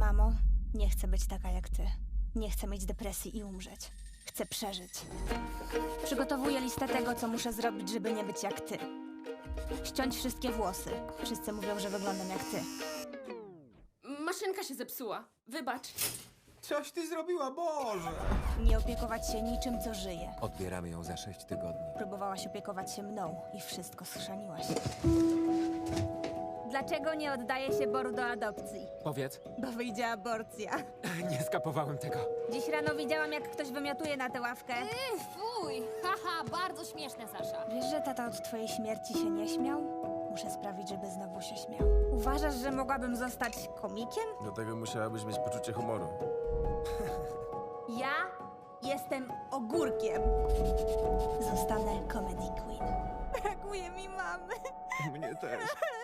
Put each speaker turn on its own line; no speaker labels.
Mamo, nie chcę być taka jak ty. Nie chcę mieć depresji i umrzeć. Chcę przeżyć. Przygotowuję listę tego, co muszę zrobić, żeby nie być jak ty. Ściąć wszystkie włosy. Wszyscy mówią, że wyglądam jak ty.
Maszynka się zepsuła. Wybacz.
Coś ty zrobiła, Boże!
Nie opiekować się niczym, co żyje.
Odbieramy ją za 6 tygodni.
Próbowałaś opiekować się mną i wszystko schrzaniłaś. Dlaczego nie oddaje się Boru do adopcji?
Powiedz.
Bo wyjdzie aborcja.
Nie skapowałem tego.
Dziś rano widziałam, jak ktoś wymiotuje na tę ławkę.
Fuj! Haha, bardzo śmieszne, Sasza.
Wiesz, że tata od twojej śmierci się nie śmiał? Muszę sprawić, żeby znowu się śmiał. Uważasz, że mogłabym zostać komikiem?
Do tego musiałabyś mieć poczucie humoru.
Ja jestem ogórkiem. Zostanę comedy queen. Brakuje mi mamy.
Mnie też.